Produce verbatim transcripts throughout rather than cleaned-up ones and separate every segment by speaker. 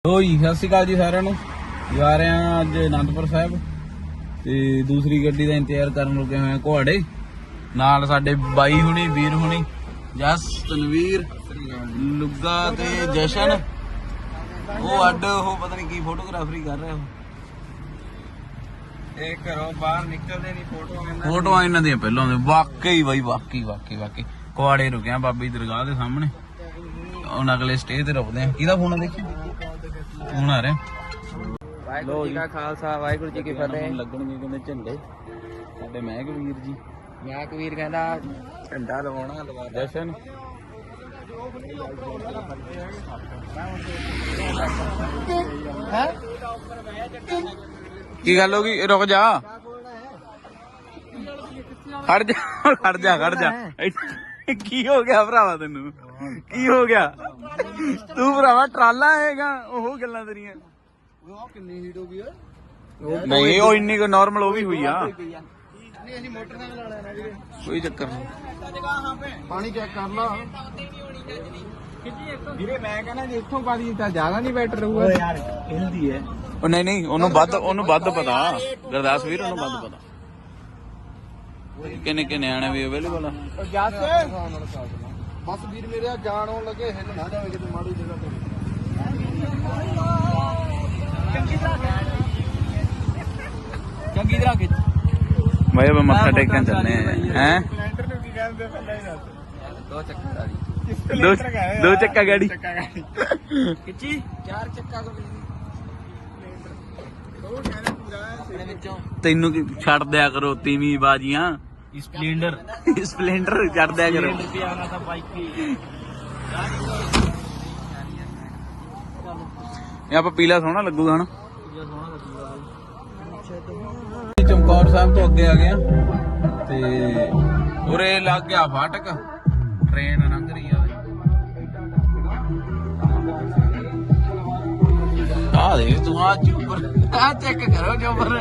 Speaker 1: ਲੋ ਜੀ ਸਤਿ ਸ਼੍ਰੀ ਅਕਾਲ ਜੀ ਸਾਰਿਆਂ ਨੂੰ। ਜਾ ਰਹੇ ਹਾਂ ਅੱਜ ਅਨੰਦਪੁਰ ਸਾਹਿਬ ਤੇ ਦੂਸਰੀ ਗੱਡੀ ਦਾ ਇੰਤਜ਼ਾਰ ਕਰਨ ਲੱਗੇ ਹੋਏ ਆ ਘੋੜੇ ਨਾਲ। ਸਾਡੇ ਬਾਈ ਹੁਣੀ ਵੀਰ ਹੁਣੀ ਜਸ ਤਨਵੀਰ ਲੁੱਗਾ ਤੇ ਜਸ਼ਨ। ਉਹ ਅੱਡ ਉਹ ਪਤਾ ਨਹੀਂ ਕੀ ਫੋਟੋਗ੍ਰਾਫਰੀ ਕਰ ਰਿਹਾ।
Speaker 2: ਇਹ ਘਰੋਂ ਬਾਹਰ ਨਿਕਲਦੇ ਨਹੀਂ ਫੋਟੋਆਂ
Speaker 1: ਫੋਟੋਆਂ ਇਹਨਾਂ ਦੀਆਂ ਪਹਿਲਾਂ ਦੇ ਵਾਕਈ ਬਾਈ ਵਾਕਈ ਵਾਕਈ ਵਾਕਈ ਕੁਆੜੇ ਰੁਕਿਆ ਬਾਬੀ ਦਰਗਾਹ ਦੇ ਸਾਹਮਣੇ। ਹੁਣ ਅਗਲੇ ਸਟੇ ਤੇ ਰੁਕਦੇ ਆ। ਕਿਹਦਾ ਫੋਨ ਆ ਦੇਖੀ ਫੋਨ ਆ ਰਿਹਾ।
Speaker 2: ਵਾਹਿਗੁਰੂ ਜੀ ਕਾ ਖਾਲਸਾ ਵਾਹਿਗੁਰੂ ਜੀ ਕੀ ਫਤਿਹ।
Speaker 1: ਲੱਗਣਗੇ ਕਹਿੰਦੇ ਝੰਡੇ ਸਾਡੇ ਮਹਿਕ ਵੀਰ ਜੀ।
Speaker 2: ਮਹਿਕ ਵੀਰ ਕਹਿੰਦਾ ਝੰਡਾ ਲਵਾਉਣਾ ਲਵਾ ਦੇ।
Speaker 1: ਜਸ਼ਨ ਕੀ ਗੱਲ ਹੋ ਗਈ? ਰੁਕ ਜਾ ਖੜ ਜਾ ਖੜ ਜਾ ਖੜ ਜਾ। ਕੀ ਹੋ ਗਿਆ ਭਰਾਵਾ ਤੈਨੂੰ? ਕੀ ਹੋ ਗਿਆ ਤੂੰ ਭਰਾਵਾ? ਟਰਾਲਾ ਹੈਗਾ ਉਹ ਗੱਲਾਂ ਤੇਰੀਆਂ।
Speaker 2: ਕਿੰਨੀ ਹੀਟ ਹੋ ਗਈ
Speaker 1: ਨਹੀਂ ਉਹ ਇੰਨੀ ਕੋ ਨਾਰਮਲ ਉਹ ਵੀ ਹੋਈ ਆ।
Speaker 2: ਨਹੀਂ ਅਸੀਂ ਮੋਟਰਸਾਈਕਲ ਵਾਲਿਆਂ ਨਾਲ ਵੀਰੇ
Speaker 1: ਕੋਈ ਚੱਕਰ ਨਹੀਂ।
Speaker 2: ਪਾਣੀ ਚੈੱਕ ਕਰ ਲਾ ਵੀਰੇ। ਮੈਂ ਕਹਿੰਦਾ ਜੇ ਇੱਥੋਂ ਪਾਣੀ ਤਾਂ ਜ਼ਿਆਦਾ ਨਹੀਂ ਬੈਟਰ ਰਹੂਗਾ ਯਾਰ। ਹਿਲਦੀ ਹੈ
Speaker 1: ਉਹ ਨਹੀਂ ਨਹੀਂ ਉਹਨੂੰ ਵੱਧ ਉਹਨੂੰ ਵੱਧ ਪਤਾ ਗੁਰਦਾਸ ਵੀਰ ਉਹਨੂੰ ਵੱਧ ਪਤਾ ਕਿੰਨੇ ਕਿੰਨੇ ਨਿਆਣੇ ਵੀ ਅਵੇਲੇਬਲ ਆ।
Speaker 2: ਜੱਸ ਬਸ ਵੀਰ ਮੇਰੇ ਜਾਣ ਆਉਣ ਲੱਗੇ ਹਿੱਲ ਨਾ ਜਾਵੇ ਕਿਤੇ ਮਾੜੀ ਜਗ੍ਹਾ ਤੇ। ਚੰਗੀ ਤਰ੍ਹਾਂ ਖਿੱਚ
Speaker 1: ਮੈਂ ਬਈ ਮੱਥਾ ਟੇਕਣ ਚੱਲੇ ਆ ਹੈ।
Speaker 2: ਸਪਲੈਂਡਰ ਨੂੰ ਕੀ ਕਹਿੰਦੇ ਪਹਿਲਾਂ ਹੀ ਦੱਸ। ਦੋ ਚੱਕਰ ਵਾਲੀ
Speaker 1: ਦੋ ਦੋ ਚੱਕਾ ਗਾੜੀ
Speaker 2: ਖਿੱਚੀ ਚਾਰ ਚੱਕਾ ਕੋ ਉਹ ਕਹਿੰਦਾ ਪੂਰਾ ਆਪਣੇ ਵਿੱਚੋਂ
Speaker 1: ਤੈਨੂੰ ਕੀ ਛੱਡ ਦਿਆ ਕਰੋ ਤੀਵੀਂ ਬਾਜੀਆਂ।
Speaker 2: ਸਪਲੈਂਡਰ
Speaker 1: ਸਪਲੈਂਡਰ ਛੱਡ ਦਿਆ ਕਰੋ।
Speaker 2: ਰੁਪਿਆ ਤਾਂ ਬਾਈਕ ਹੀ
Speaker 1: ਇਹ ਆਪਾਂ ਪੀਲਾ ਸੋਹਣਾ ਲੱਗੂਗਾ ਹਨਾ। ਚਮਕੌਰ ਸਾਹਿਬ ਤੋਂ ਅੱਗੇ ਆ ਗਏ ਆ ਤੇ ਉਰੇ ਲੱਗ ਗਿਆ ਫਾਟਕ। ਟ੍ਰੇਨ ਲੰਘ ਰਹੀ ਆ। ਆ ਦੇ ਤੂੰ ਆ ਜੂਪਰ ਆ ਚੈੱਕ ਕਰੋ ਜੂਪਰ।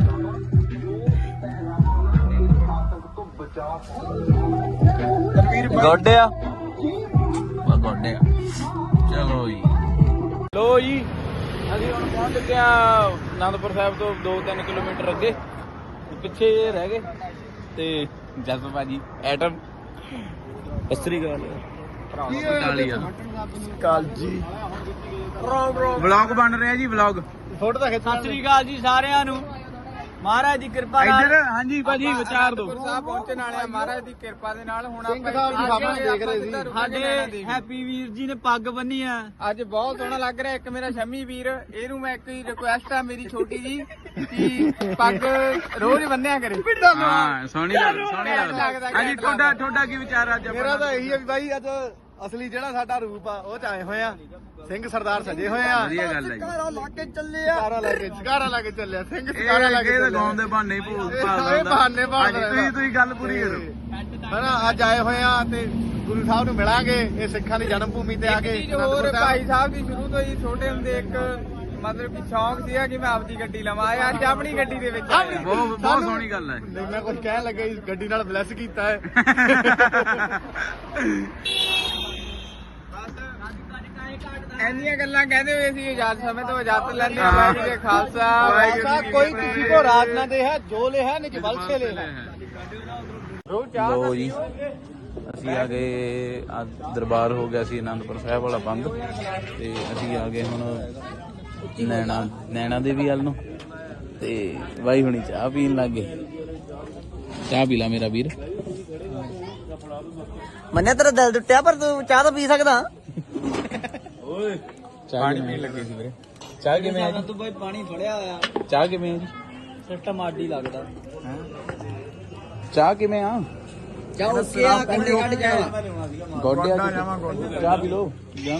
Speaker 1: ਗੋਡਿਆ ਵਾ ਗੋਡਿਆ। ਚਲੋ ਜੀ ਲੋ ਜੀ ਅਸੀਂ ਹੁਣ ਪਹੁੰਚ ਚੁੱਕੇ ਆ ਅਨੰਦਪੁਰ ਸਾਹਿਬ ਤੋਂ ਦੋ ਤਿੰਨ ਕਿਲੋਮੀਟਰ ਅੱਗੇ। ਪਿੱਛੇ ਇਹ ਰਹਿ ਗਏ ਤੇ ਜਸ ਭਾਜੀ ਐਟਮ ਅਸਰੀ ਗੱਲ ਕਾਲ ਜੀ। ਵਲੌਗ ਬਣ ਰਿਹਾ ਜੀ ਵਲੌਗ।
Speaker 2: ਫੋਟੋ ਤਾਂ ਖਿੱਚ। ਸਤਿ ਸ੍ਰੀ ਅਕਾਲ ਜੀ ਸਾਰਿਆਂ ਨੂੰ। ਮਹਾਰਾਜ ਦੀ ਕਿਰਪਾ ਨਾਲ
Speaker 1: ਇੱਧਰ ਹਾਂਜੀ ਭਾਜੀ ਵਿਚਾਰ ਦੋ।
Speaker 2: ਸਾਹਿਬ ਪਹੁੰਚਣ ਵਾਲੇ ਆ ਮਹਾਰਾਜ ਦੀ ਕਿਰਪਾ ਦੇ ਨਾਲ। ਹੁਣ ਆਪਾਂ ਦੇਖ ਰਹੇ ਸੀ ਸਾਡੇ ਹੈਪੀ ਵੀਰ ਜੀ ਨੇ ਪੱਗ ਬੰਨੀ ਆ ਅੱਜ। ਬਹੁਤ ਸੋਹਣਾ ਲੱਗ ਰਿਹਾ। ਇੱਕ ਮੇਰਾ ਸ਼ਮੀ ਵੀਰ, ਇਹਨੂੰ ਮੈਂ ਇੱਕ ਹੀ ਰਿਕੁਐਸਟ ਆ ਮੇਰੀ ਛੋਟੀ ਜੀ ਕਿ ਪੱਗ ਰੋਜ਼ ਬੰਨਿਆ ਕਰੇ।
Speaker 1: ਹਾਂ ਸੋਹਣੀ ਸੋਹਣੀ ਲੱਗਦਾ। ਹਾਂਜੀ ਤੁਹਾਡਾ ਤੁਹਾਡਾ ਕੀ ਵਿਚਾਰ ਅੱਜ?
Speaker 2: ਮੇਰਾ ਤਾਂ ਇਹੀ ਆ ਵੀ ਬਾਈ ਅੱਜ ਅਸਲੀ ਜਿਹੜਾ ਸਾਡਾ ਰੂਪ ਆ ਉਹ ਚ ਆਏ ਹੋਏ ਆ। ਸਿੰਘ ਸਰਦਾਰ ਸਜੇ ਹੋਏ ਆ।
Speaker 1: ਵਧੀਆ ਗੱਲ ਹੈ ਜੀ।
Speaker 2: ਘਾਰਾ ਲਾ ਕੇ ਚੱਲੇ ਆ। ਘਾਰਾ ਲਾ ਕੇ ਘਾਰਾ ਲਾ ਕੇ ਚੱਲਿਆ ਸਿੰਘ। ਘਾਰਾ ਲਾ ਕੇ
Speaker 1: ਇਹ ਤਾਂ ਗਾਉਣ ਦੇ ਬਹਾਨੇ ਹੀ ਭੂਤ ਭਾਲਦਾ।
Speaker 2: ਇਹ ਬਹਾਨੇ ਭਾਲਦਾ।
Speaker 1: ਤੁਸੀਂ ਤੁਸੀਂ ਗੱਲ ਪੂਰੀ ਕਰੋ।
Speaker 2: ਹਨਾ ਅੱਜ ਆਏ ਹੋਏ ਆ ਤੇ ਗੁਰੂ ਸਾਹਿਬ ਨੂੰ ਮਿਲਾਂਗੇ। ਇਹ ਸਿੱਖਾਂ ਦੀ ਜਨਮ ਭੂਮੀ ਤੇ ਆ ਕੇ। ਹੋਰ ਭਾਈ ਸਾਹਿਬ ਦੀ ਸ਼ੁਰੂ ਤੋਂ ਹੀ ਛੋਟੇ ਹੁੰਦੇ ਇੱਕ ਮਤਲਬ ਕਿ ਸ਼ੌਂਕ ਸੀਗਾ ਕਿ ਮੈਂ ਆਪਦੀ ਗੱਡੀ ਲਵਾਂ। ਅੱਜ ਆਪਣੀ ਗੱਡੀ ਦੇ ਵਿੱਚ ਆਇਆ।
Speaker 1: ਬਹੁਤ ਬਹੁਤ ਸੋਹਣੀ ਗੱਲ ਹੈ।
Speaker 2: ਨਹੀਂ ਮੈਂ ਕੁਝ ਕਹਿਣ ਲੱਗਾ ਇਸ ਗੱਡੀ ਨਾਲ ਬਲੈਸ ਕੀਤਾ ਹੈ। ਇੰਨੀਆਂ ਗੱਲਾਂ ਕਹਿੰਦੇ ਹੋਏ ਸੀ ਇਜਾਜ਼ਤ ਸਮੇਂ ਤੋਂ ਇਜਾਜ਼ਤ ਲੈਂਦੇ ਆ। ਵਾਹਿਗੁਰੂ ਜੀ ਖਾਲਸਾ ਵਾਹਿਗੁਰੂ ਕੋਈ ਕਿਸੇ ਕੋ ਰਾਜ ਨਾ ਦੇ ਹੈ ਜੋ ਲੈ ਹੈ ਨਿਜ ਬਲ ਸੇ ਲੈ ਹੈ।
Speaker 1: ਲੋ ਜੀ ਅਸੀਂ ਆ ਗਏ। ਅੱਜ ਦਰਬਾਰ ਹੋ ਗਿਆ ਸੀ ਅਨੰਦਪੁਰ ਸਾਹਿਬ ਵਾਲਾ ਬੰਦ ਤੇ ਅਸੀਂ ਆ ਗਏ ਹੁਣ ਨੈਣਾ ਨੈਣਾ ਦੇਵੀ ਵੱਲ ਨੂੰ ਤੇ ਬਾਈ ਹੁਣੀ ਚਾਹ ਪੀਣ ਲੱਗ ਗਏ। ਚਾਹ ਪੀ ਲਾ ਮੇਰਾ ਵੀਰ।
Speaker 3: ਮੰਨਿਆ ਤੇਰਾ ਦਿਲ ਟੁੱਟਿਆ ਪਰ ਤੂੰ ਚਾਹ ਤਾਂ ਪੀ ਸਕਦਾ।
Speaker 1: ਓਏ ਪਾਣੀ ਪੀਣ ਲੱਗੇ ਸੀ ਵੀਰੇ। ਚਾਹ ਕਿਵੇਂ ਆ ਜੀ?
Speaker 3: ਤੂੰ ਬਾਈ ਪਾਣੀ ਫੜਿਆ ਹੋਇਆ
Speaker 1: ਚਾਹ ਕਿਵੇਂ ਆ ਜੀ?
Speaker 3: ਸਿਸਟਮ ਆਡੀ ਲੱਗਦਾ।
Speaker 1: ਚਾਹ ਕਿਵੇਂ ਆ?
Speaker 3: ਚਾਹ ਉੱਕੇ ਆ ਕੰਡੇ ਕੱਢ ਜਾ।
Speaker 1: ਗੋਡਿਆ ਚਾਹ ਪੀ ਲੋ।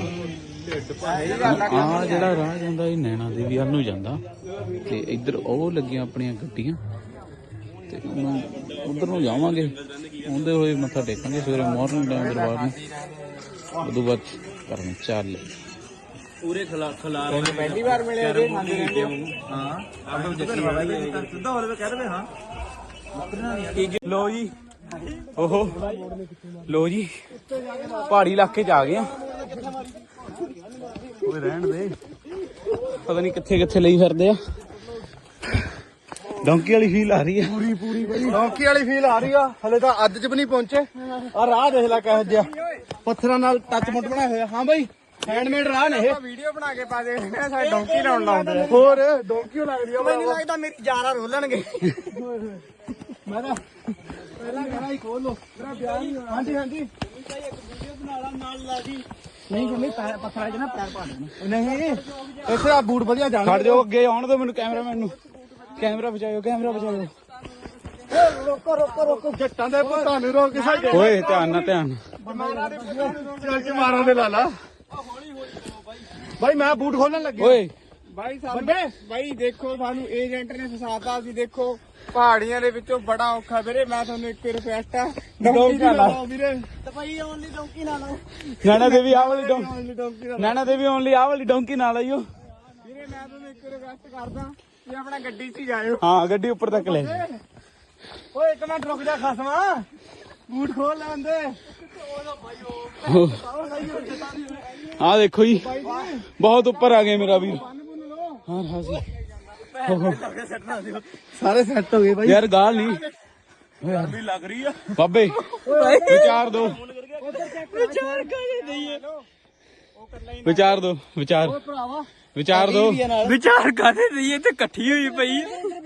Speaker 1: ਆ ਜਿਹੜਾ ਰਾਹ ਜਾਂਦਾ ਇਹ ਨੈਣਾ ਦੇਵੀ ਵੱਲ ਨੂੰ ਜਾਂਦਾ ਤੇ ਇੱਧਰ ਉਹ ਲੱਗੀਆਂ ਆਪਣੀਆਂ ਗੱਡੀਆਂ ਤੇ ਉਧਰ ਨੂੰ ਜਾਵਾਂਗੇ। ਆਉਂਦੇ ਹੋਏ ਮੱਥਾ ਟੇਕਾਂਗੇ ਸਵੇਰੇ ਮਾਰਨਿੰਗ ਟਾਈਮ ਦਰਬਾਰ ਨੂੰ। ਉਦੋਂ ਬਾਅਦ ਕਰਨੀ ਚੱਲ
Speaker 3: ਪੂਰੇ ਖਲਾ ਖਲਾ
Speaker 2: ਪਹਿਲੀ ਵਾਰ ਮਿਲਿਆ ਜੀ ਖਾਂਦੇ ਰਹਿੰਦੇ ਹੋ।
Speaker 3: ਹਾਂ ਆਪੇ ਜੱਕੀ ਵਾਲਾ ਸਿੱਧਾ ਹੋਰ ਕਹਿ ਦੇਵੇ ਹਾਂ।
Speaker 1: ਲੋ ਜੀ ਓਹੋ ਲੋ ਜੀ ਪਹਾੜੀ ਇਲਾਕੇ ਚ ਆ ਗਏ ਆ। ਓਏ ਰਹਿਣ ਦੇ ਪਤਾ ਨਹੀਂ ਕਿੱਥੇ ਕਿੱਥੇ ਲਈ ਫਿਰਦੇ ਆ। ਡੌਂਕੀ ਵਾਲੀ ਫੀਲ ਆ ਰਹੀ ਹੈ
Speaker 3: ਪੂਰੀ ਪੂਰੀ ਬਈ ਡੌਂਕੀ ਵਾਲੀ ਫੀਲ ਆ ਰਹੀ ਆ। ਹਲੇ ਤਾਂ ਅੱਜ ਚ ਵੀ ਨਹੀਂ ਪਹੁੰਚੇ। ਆ ਰਾਹ ਦੇਖ ਲੈ ਕਿਹੋ ਜਿਹਾ ਪੱਥਰਾਂ ਨਾਲ ਟੱਚ ਮੁੱਟ ਬਣਾਏ ਹੋਏ ਆ। ਹਾਂ ਬਈ ਹੈਂਡਮੇਡ ਰਾਹ ਨੇ ਇਹ।
Speaker 2: ਵੀਡੀਓ ਬਣਾ ਕੇ ਪਾ ਦੇ ਸਾਡੇ ਡੌਂਕੀ ਲਾਉਣ ਲਾਉਂਦੇ ਆ।
Speaker 3: ਹੋਰ ਡੌਂਕੀ ਲੱਗਦੀ ਆ।
Speaker 2: ਮੈਨੂੰ ਲੱਗਦਾ ਮੇਰੀ ਯਾਰਾਂ ਰੋਲਣਗੇ।
Speaker 3: ਮੈਂ ਤਾਂ ਪਹਿਲਾਂ ਕਰਾਂ ਹੀ ਖੋਲ ਲੋ ਮੇਰਾ ਵਿਆਹ ਨਹੀਂ ਹੋਣਾ। ਹਾਂਜੀ ਹਾਂਜੀ
Speaker 2: ਇੱਕ ਵੀਡੀਓ ਬਣਾ ਲਾ ਨਾਲ ਲਾ ਦੀ।
Speaker 3: ਨਹੀਂ ਕਹਿੰਦੇ ਪੈਰ ਪੱਥਰਾਂ 'ਚ ਨਾ ਪੈਰ ਪਾ ਦੇਣਾ। ਨਹੀਂ ਇੱਥੇ ਆ ਬੂਟ ਵਧੀਆ ਜਾਣ। ਖੜ ਜਾਓ ਅੱਗੇ ਆਉਣ ਦਿਓ ਮੈਨੂੰ ਕੈਮਰਾਮੈਨ ਨੂੰ। ਕੈਮਰਾ ਬਚਾਇਓ ਕੈਮਰਾ ਬਚਾਇਓ। ਰੋਕੋ ਰੋਕੋ ਰੋਕੋ ਜੱਟਾਂ ਦੇ ਪੁੱਤਾਂ ਨੂੰ ਰੋਕ ਸਾਡੇ।
Speaker 1: ਓਏ ਧਿਆਨ ਨਾਲ ਧਿਆਨ
Speaker 3: ਚੱਲ ਕੇ ਮਾਰਾਂ ਦੇ ਲਾ ਲਾ। ਬਾਈ ਮੈਂ ਬੂਟ ਖੋਲਣ ਲੱਗਿਆ।
Speaker 1: ਓਏ
Speaker 2: ਬਾਈ ਸਾਨੂੰ ਬਾਈ ਦੇਖੋ ਸਾਨੂੰ ਏਜੰਟ ਨੇ ਫਸਾਤਾ ਸੀ। ਦੇਖੋ ਪਹਾੜੀਆਂ ਦੇ ਵਿੱਚੋਂ ਬੜਾ ਔਖਾ ਵੀਰੇ। ਮੈਂ ਤੁਹਾਨੂੰ ਇੱਕ ਰਿਕੁਐਸਟ ਆ ਡੌਂਕੀ ਨਾ ਲਾਓ ਵੀਰੇ। ਤੇ ਭਾਈ ਓਨਲੀ ਡੌਂਕੀ ਨਾ ਲਾਓ।
Speaker 1: ਨੈਣਾ ਦੇਵੀ ਆਹ ਵਾਲੀ ਡੌਂਕੀ ਨੈਣਾ ਦੇਵੀ ਓਨਲੀ ਆਹ ਵਾਲੀ ਡੌਂਕੀ ਨਾਲ ਆਈਓ।
Speaker 2: ਵੀਰੇ ਮੈਂ ਤੁਹਾਨੂੰ ਇੱਕ ਰਿਕੁਐਸਟ ਕਰਦਾ ਕਿ ਆਪਣਾ ਗੱਡੀ 'ਚ ਹੀ ਜਾਇਓ।
Speaker 1: ਹਾਂ ਗੱਡੀ ਉੱਪਰ ਤੱਕ ਲੈ
Speaker 3: ਓਏ ਇੱਕ ਮਿੰਟ ਰੁਕ ਜਾ ਖਸਮਾ ਬੂਟ ਖੋਲ ਲੈਂਦੇ।
Speaker 1: ਆਹ ਦੇਖੋ ਜੀ ਬਹੁਤ ਉੱਪਰ ਆ ਗਏ ਮੇਰਾ ਵੀਰ। ਹਾਂ ਹਾਂ ਜੀ
Speaker 3: ਸਾਰੇ ਸੈੱਟ ਹੋ ਗਏ ਬਾਈ।
Speaker 1: ਯਾਰ ਗਾਲ ਨਹੀਂ
Speaker 3: ਗਰਮੀ ਲੱਗ ਰਹੀ ਆ
Speaker 1: ਬਾਬੇ ਵਿਚਾਰ ਦੋ
Speaker 2: ਵਿਚਾਰ ਕਰੇ ਦਈਏ।
Speaker 1: ਵਿਚਾਰ ਦੋ ਵਿਚਾਰ
Speaker 3: ਭਰਾਵਾ
Speaker 1: ਵਿਚਾਰ ਦੋ
Speaker 2: ਵਿਚਾਰ ਕਾਹਦੇ ਦਈਏ ਤੇ ਇਕੱਠੀ ਹੋਈ ਪਈ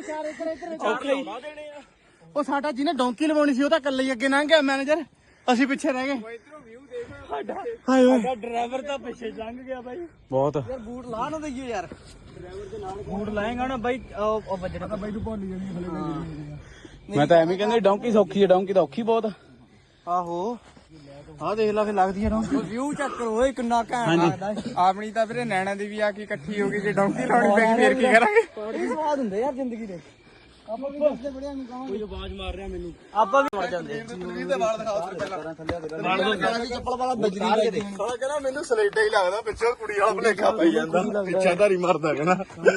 Speaker 3: ਉਹ ਸਾਡਾ ਜਿਹਨੇ ਡੌਂਕੀ ਲਵਾਉਣੀ ਸੀ ਉਹ ਤਾਂ ਇਕੱਲੇ ਹੀ ਅੱਗੇ ਲੰਘ ਗਿਆ ਮੈਨੇਜਰ। ਅਸੀਂ ਪਿੱਛੇ ਰਹਿ ਗਏ। ਹਾਏ ਓਏ
Speaker 2: ਡਰਾਈਵਰ ਤਾਂ ਪਿੱਛੇ ਲੰਘ ਗਿਆ ਬਾਈ।
Speaker 1: ਬਹੁਤ
Speaker 2: ਯਾਰ ਬੂਟ ਲਾ ਨਾ ਦਈਏ ਯਾਰ। ਬੂਟ ਲਾਏਗਾ ਨਾ ਬਾਈ ਉਹ ਵੱਜਣਾ ਤਾਂ ਬਾਈ ਤੂੰ ਭੁੱਲ ਜਾਣੀ।
Speaker 1: ਮੈਂ ਤਾਂ ਐਵੇਂ ਕਹਿੰਦਾ ਡੌਂਕੀ ਸੌਖੀ ਹੈ ਡੌਂਕੀ ਤਾਂ ਔਖੀ ਬਹੁਤ।
Speaker 3: ਆਹੋ ਆਹ ਦੇਖ ਲਾ ਫੇ ਲੱਗਦੀ ਆ ਡੌਂਕੀ।
Speaker 2: ਵਿਊ ਚੈੱਕ ਕਰੋ ਓਏ ਕਿੰਨਾ ਘੈਂਟ ਲੱਗਦਾ। ਆਪਣੀ ਤਾਂ ਵੀਰੇ ਨੈਣਾ ਦੀ ਵੀ ਆ ਕੇ ਇਕੱਠੀ ਹੋ ਗਈ। ਜੇ ਡੌਂਕੀ ਲਾਉਣੀ ਪੈ ਗਈ ਫੇਰ ਕੀ ਕਰਾਂਗੇ।
Speaker 3: ਬੜੀ ਸਵਾਦ ਹੁੰਦੇ ਯਾਰ ਜ਼ਿੰਦਗੀ ਦੇ। ਆਪਾਂ ਵੀ ਦੱਸਦੇ ਬੜਿਆਂ ਨੂੰ ਕਹਾਂਗੇ। ਕੋਈ ਆਵਾਜ਼ ਮਾਰ ਰਿਹਾ ਮੈਨੂੰ।
Speaker 2: ਆਪਾਂ ਵੀ ਮਰ ਜਾਂਦੇ।
Speaker 3: ਤੁਸੀਂ ਤੇ ਵਾਲ ਦਿਖਾਓ ਪਹਿਲਾਂ। ਚੱਪਲ ਵਾਲਾ ਬਜਰੀ ਲੈ ਦੇ। ਸਾਲਾ ਕਹਿੰਦਾ ਮੈਨੂੰ ਸਲੇਟਾ ਹੀ ਲੱਗਦਾ ਪਿੱਛੇ ਕੁੜੀ ਵਾਲਾ ਭਲੇਖਾ ਪਈ ਜਾਂਦਾ। ਪਿੱਛੇ ਧਾਰੀ ਮਰਦਾ ਕਹਿੰਦਾ।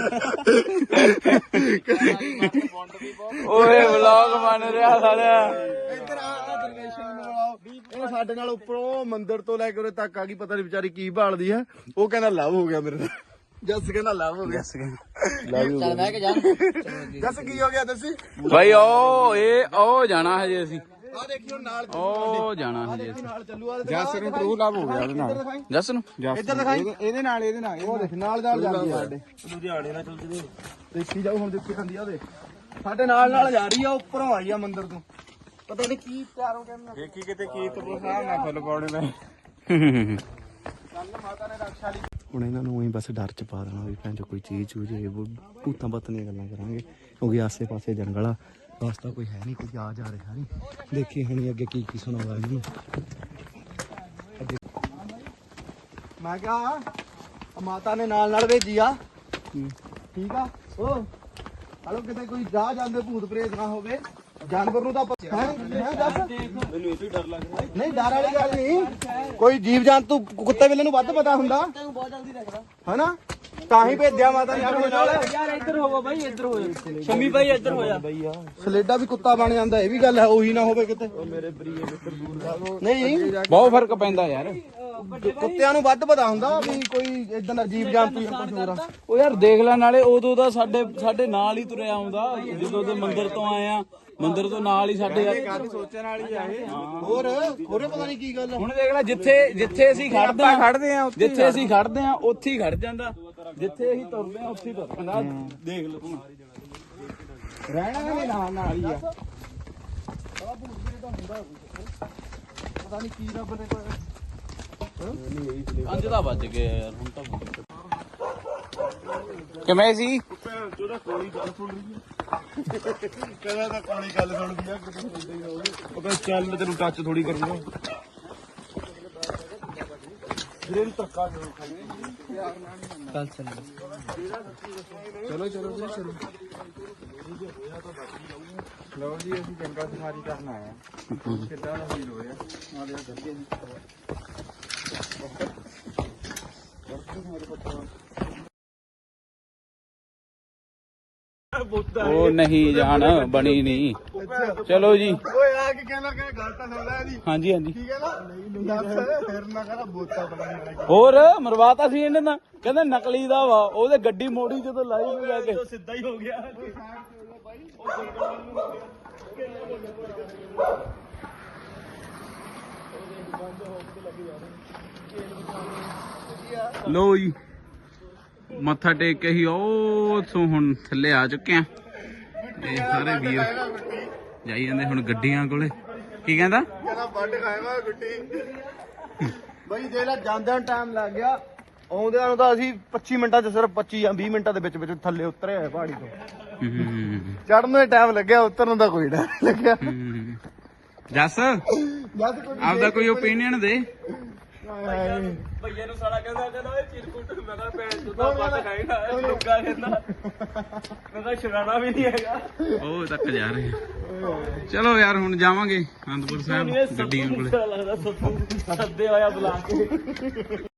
Speaker 1: ਓਏ ਵਲੌਗ ਬਣ ਰਿਹਾ ਸਾਲਿਆ।
Speaker 3: ਇੱਧਰ ਆ ਦਰਵੇਸ਼ਾਂ ਨੂੰ ਬੁਲਾਓ। ਇਹ ਸਾਡੇ ਨਾਲ ਉੱਪਰੋਂ ਮੰਦਿਰ ਤੋਂ ਲੈ ਕੇ ਉਰੇ ਤੱਕ ਆ ਗਈ। ਪਤਾ ਨਹੀਂ ਵਿਚਾਰੀ ਕੀ ਭਾਲਦੀ ਹੈ। ਉਹ ਕਹਿੰਦਾ ਲਵ ਹੋ ਗਿਆ ਮੇਰੇ ਨਾਲ। ਜੱਸ ਕਹਿੰਦਾ ਲਵ ਹੋ ਗਿਆ।
Speaker 2: ਚੱਲ ਬਹਿ ਕੇ ਜਾ।
Speaker 3: ਜੱਸ ਕੀ ਹੋ ਗਿਆ ਦੱਸੀ।
Speaker 1: ਬਾਈ ਉਹ ਇਹ ਉਹ ਜਾਣਾ ਹਜੇ ਅਸੀਂ।
Speaker 3: ਆ ਦੇਖਿਓ ਨਾਲ
Speaker 1: ਉਹ ਜਾਣਾ ਹਜੇ ਅਸੀਂ।
Speaker 3: ਨਾਲ ਚੱਲੂ ਆ।
Speaker 2: ਜੱਸ ਨੂੰ ਟਰੂ ਲਵ ਹੋ ਗਿਆ ਉਹਦੇ ਨਾਲ।
Speaker 1: ਜੱਸ ਨੂੰ
Speaker 3: ਇੱਧਰ ਦਿਖਾਈ।
Speaker 2: ਇਹਦੇ ਨਾਲ ਇਹਦੇ ਨਾਲ
Speaker 3: ਉਹ ਦੇਖ ਨਾਲ ਨਾਲ ਜਾਂਦੀ ਆ ਸਾਡੇ। ਲੁਧਿਆਣੇ ਨਾਲ ਚੱਲਦੀ ਦੇਖੀ ਜਾਓ ਹੁਣ ਦੇਖੀ ਖਾਂਦੀ ਆ ਉਹਦੇ। ਸਾਡੇ ਨਾਲ ਨਾਲ ਜਾ ਰਹੀ ਆ ਉੱਪਰੋਂ ਆਈ ਆ ਮੰਦਿਰ ਤੋਂ। ਪਤਾ ਨਹੀਂ ਕੀ ਪਿਆਰ ਹੋ ਗਿਆ ਮੈਨੂੰ।
Speaker 2: ਦੇਖੀ ਕਿਤੇ ਕੀ ਤੂੰ ਸਾਹਿਬ ਨਾ ਫੁੱਲ ਪਾਉਣੇ ਮੈਂ।
Speaker 3: ਮਾਤਾ ਨੇ ਰਕਸ਼ਾ ਲਈ। ਹੁਣ ਇਹਨਾਂ ਨੂੰ ਉਹੀ ਬਸ ਡਰ ਚ ਪਾ ਦੇਣਾ ਵੀ ਭੈਣ ਚੋ ਕੋਈ ਚੀਜ਼ ਚੂਜ ਇਹ ਭੂਤਾਂ ਪਤਨੀਆਂ ਗੱਲਾਂ ਕਰਾਂਗੇ ਕਿਉਂਕਿ ਆਸੇ ਪਾਸੇ ਜੰਗਲ ਆ। ਰਸਤਾ ਕੋਈ ਹੈ ਨਹੀਂ ਕੋਈ ਆ ਜਾ ਰਿਹਾ ਨਹੀਂ। ਦੇਖੀ ਹਣੀ ਅੱਗੇ ਕੀ ਕੀ ਸੁਣਾਉਂਦਾ ਇਹਨੂੰ। ਮੈਂ ਕਿਹਾ ਮਾਤਾ ਨੇ ਨਾਲ ਨਾਲ ਭੇਜੀ ਆ। ਠੀਕ ਆ ਓ ਹਲੋ ਕਿਤੇ ਕੋਈ ਜਾ ਜਾਂਦੇ ਭੂਤ ਪ੍ਰੇਤ ਨਾ ਹੋਵੇ। ਜਾਨਵਰ ਨੂੰ ਤਾਂ ਪਤਾ ਹੈ ਦੱਸ। ਮੈਨੂੰ ਇਹ ਤੋਂ ਡਰ ਲੱਗ ਰਿਹਾ। ਨਹੀਂ ਡਰ ਵਾਲੀ ਗੱਲ ਨਹੀਂ। ਕੋਈ ਜੀਵ ਜੰਤੂ ਕੁੱਤੇ ਬਿੱਲੇ ਨੂੰ ਵੱਧ ਪਤਾ ਹੁੰਦਾ ਬਹੁਤ ਜਲਦੀ ਰੱਖਦਾ ਹਨਾ। ਤਾਂ ਹੀ ਭੇਜਿਆ ਮਾਤਾ ਨੇ ਆਪਣੇ ਨਾਲ।
Speaker 2: ਯਾਰ ਇੱਧਰ ਹੋਵੋ ਬਾਈ ਇੱਧਰ ਹੋ ਜਾ। ਸ਼ਮੀ ਬਾਈ ਇੱਧਰ ਹੋ ਜਾ।
Speaker 3: ਸਲੇਡਾ ਵੀ ਕੁੱਤਾ ਬਣ ਜਾਂਦਾ ਇਹ ਵੀ ਗੱਲ ਹੈ। ਉਹੀ ਨਾ ਹੋਵੇ ਕਿਤੇ ਮੇਰੇ ਬਰੀਏ ਮਿੱਤਰ ਦੂਰ ਨਹੀਂ
Speaker 1: ਬਹੁਤ ਫਰਕ ਪੈਂਦਾ ਯਾਰ।
Speaker 3: ਕੁੱਤਿਆਂ ਨੂੰ ਵੱਧ ਪਤਾ ਹੁੰਦਾ ਵੀ ਕੋਈ ਇਦਾਂ ਦਾ ਜੀਵ ਜੰਤੂ ਜਾਂ ਕੁਝ ਹੋਰ ਆ।
Speaker 1: ਉਹ ਯਾਰ ਦੇਖ ਲੈ ਨਾਲੇ ਉਦੋਂ ਦਾ ਸਾਡੇ ਸਾਡੇ ਨਾਲ ਹੀ ਤੁਰਿਆ ਆਉਂਦਾ। ਜਦੋਂ ਦੇ ਮੰਦਿਰ ਤੋਂ ਆਏ ਆ ਮੰਦਿਰ ਤੋਂ ਨਾਲ ਹੀ ਸਾਡੇ ਯਾਰ
Speaker 2: ਸੋਚਣ ਵਾਲੀ ਆ ਇਹ।
Speaker 3: ਹੋਰ ਹੋਰੇ ਪਤਾ ਨਹੀਂ ਕੀ ਗੱਲ ਆ।
Speaker 1: ਹੁਣ ਦੇਖ ਲੈ ਜਿੱਥੇ ਜਿੱਥੇ ਅਸੀਂ ਖੜਦੇ ਆ
Speaker 2: ਖੜਦੇ ਆ ਉੱਥੇ
Speaker 1: ਜਿੱਥੇ ਅਸੀਂ ਖੜਦੇ ਆ ਉੱਥੇ ਹੀ ਖੜ ਜਾਂਦਾ। ਜਿੱਥੇ ਅਸੀਂ ਤੁਰਦੇ ਆ ਉੱਥੇ ਹੀ ਤੁਰ ਪੈਂਦਾ। ਦੇਖ ਲਓ ਤੂੰ
Speaker 2: ਰਹਿਣਾ ਵੀ ਨਾਲ ਨਾਲ ਹੀ ਆ।
Speaker 3: ਪਤਾ ਨਹੀਂ ਕੀ ਰੱਬ ਨੇ ਕੋਈ
Speaker 1: ਪੰਜ ਦਾ ਵੱਜ ਗਏ ਯਾਰ ਹੁਣ ਤਾਂ ਕਿਵੇਂ ਸੀ।
Speaker 3: ਕਹਿੰਦਾ ਤਾਂ ਕੋਣੀ ਗੱਲ ਸੁਣਦੀ ਆ ਕਿਤੇ ਸੁਣਦਾ ਹੀ ਨਾ ਹੋਵੇ। ਉਹ ਕਹਿੰਦਾ ਚੱਲ ਮੈਂ ਤੈਨੂੰ ਟੱਚ ਥੋੜੀ ਕਰੂੰਗਾ। ਵੀਰੇ ਨੂੰ ਧੱਕਾ ਕਿਉਂ ਖਾਈ।
Speaker 2: ਚੱਲ ਚੱਲ
Speaker 3: ਚਲੋ ਚਲੋ ਜੀ ਚਲੋ।
Speaker 2: ਲਓ ਜੀ ਅਸੀਂ ਜੰਗਲ ਸਫਾਰੀ ਕਰਨ ਆਏ ਆ। ਕਿੱਦਾਂ ਦਾ ਫੀਲ ਹੋਇਆ ਆ ਦੇ ਗੱਡੀ ਜੀ।
Speaker 1: ਉਹ ਨਹੀਂ ਜਾਣ ਬਣੀ ਨਹੀਂ। ਚਲੋ ਜੀ
Speaker 3: ਓਏ ਆ ਕੇ ਕਹਿਣਾ ਕਿ ਗੱਲ ਤਾਂ ਸੁਣ ਲੈ ਇਹਦੀ
Speaker 1: ਹਾਂਜੀ ਹਾਂਜੀ
Speaker 3: ਠੀਕ ਹੈ ਨਾ ਨਹੀਂ ਦੱਸ ਫਿਰ ਨਾ ਕਹਦਾ ਬੋਤਾ ਬਣਾ
Speaker 1: ਹੋਰ ਮਰਵਾਤਾ ਸੀ ਇਹਨੇ ਤਾਂ ਕਹਿੰਦੇ ਨਕਲੀ ਦਾ ਵਾ ਉਹਦੇ ਗੱਡੀ ਮੋੜੀ ਜਦੋਂ ਲਾਈ ਨੂੰ ਲੈ ਕੇ
Speaker 3: ਸਿੱਧਾ ਹੀ ਹੋ ਗਿਆ
Speaker 1: ਲੋ ਜੀ ਮੱਥਾ ਟੇਕ ਕੇ ਹੀ ਉਹ ਤੋਂ ਹੁਣ ਥੱਲੇ ਆ ਚੁੱਕੇ ਆ ਇਹ ਸਾਰੇ ਵੀਰ ਜਾਈ ਜਾਂਦੇ ਹੁਣ ਗੱਡੀਆਂ ਕੋਲੇ। ਕੀ ਕਹਿੰਦਾ
Speaker 3: ਕਹਿੰਦਾ ਵੱਡ ਖਾਏਗਾ ਗੁੱਟੀ ਬਈ ਦੇ ਲੈ ਜਾਂਦਿਆਂ ਟਾਈਮ ਲੱਗ ਗਿਆ ਆਉਂਦਿਆਂ ਨੂੰ ਤਾਂ ਅਸੀਂ ਪੱਚੀ ਮਿੰਟਾਂ ਚ ਸਿਰਫ ਪੱਚੀ ਜਾਂ ਵੀਹ ਮਿੰਟਾਂ ਦੇ ਵਿੱਚ ਵਿੱਚ ਥੱਲੇ ਉਤਰੇ ਹੋਏ ਪਹਾੜੀ ਤੋਂ। ਚੜਨ ਨੂੰ ਟਾਈਮ ਲੱਗਿਆ ਉਤਰਨ ਦਾ ਕੋਈ ਟਾਈਮ ਨਹੀਂ ਲੱਗਿਆ।
Speaker 1: ਜੱਸ
Speaker 3: ਜਦ ਕੋਈ
Speaker 1: ਆਪਦਾ ਕੋਈ ਓਪੀਨੀਅਨ ਦੇ।
Speaker 2: ਭਈਏ ਨੂੰ ਸਾਲਾ ਕਹਿੰਦਾ ਕਹਿੰਦਾ ਓਏ ਚਿਰਕੁੱਟ ਮੈਂ ਕਿਹਾ ਭੈਣ ਤੂੰ ਤਾਂ ਵੱਟ ਖਾਏਗਾ ਲੁੱਗਾ ਕਹਿੰਦਾ ਮੈਂ ਕਿਹਾ ਸ਼ਰਾਣਾ ਵੀ ਨਹੀਂ ਹੈਗਾ।
Speaker 1: ਉਹ ਤੱਕ ਜਾ ਰਹੇ ਆ। ਚਲੋ ਯਾਰ ਹੁਣ ਜਾਵਾਂਗੇ ਅਨੰਦਪੁਰ ਸਾਹਿਬ ਗੱਡੀਆਂ ਕੋਲੇ।
Speaker 2: ਲੱਗਦਾ ਸੱਦੇ ਹੋਇਆ ਬੁਲਾ ਕੇ